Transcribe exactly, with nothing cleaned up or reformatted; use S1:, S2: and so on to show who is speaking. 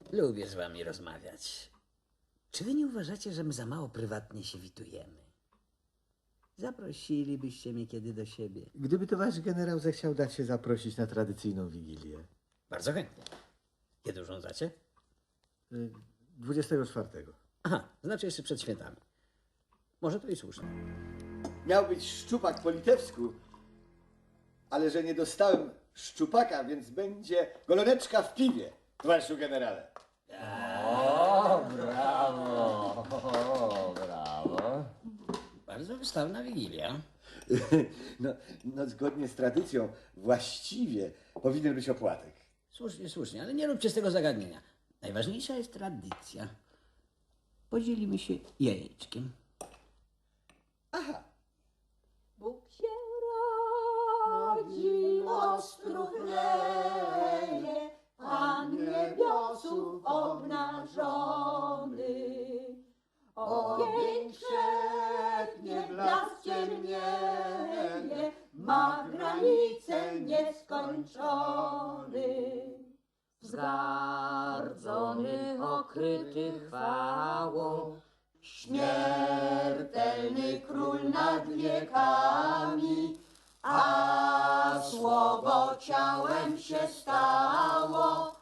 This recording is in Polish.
S1: Lubię z wami rozmawiać. Czy wy nie uważacie, że my za mało prywatnie się witujemy? Zaprosilibyście mnie kiedy do siebie.
S2: Gdyby to wasz generał zechciał dać się zaprosić na tradycyjną wigilię.
S1: Bardzo chętnie. Kiedy urządzacie?
S2: Y, dwudziestego czwartego.
S1: Aha, znaczy jeszcze przed świętami. Może to i słusznie.
S2: Miał być szczupak po litewsku, ale że nie dostałem szczupaka, więc będzie goloneczka w piwie, towarzyszu generale.
S3: O, brawo, o, brawo.
S1: Bardzo wystawna wigilia.
S2: No, no zgodnie z tradycją właściwie powinien być opłatek.
S1: Słusznie, słusznie, ale nie róbcie z tego zagadnienia. Najważniejsza jest tradycja. Podzielimy się jajeczkiem.
S2: Aha,
S4: Bóg się rodzi, odstruchleje, Pan niebiosów obnażony. Ogień krzepnie, blask ciemnieje, ma granice nieskończony. Zgardzony, okryty chwałą, śmiertelny król nad wiekami, a słowo ciałem się stało,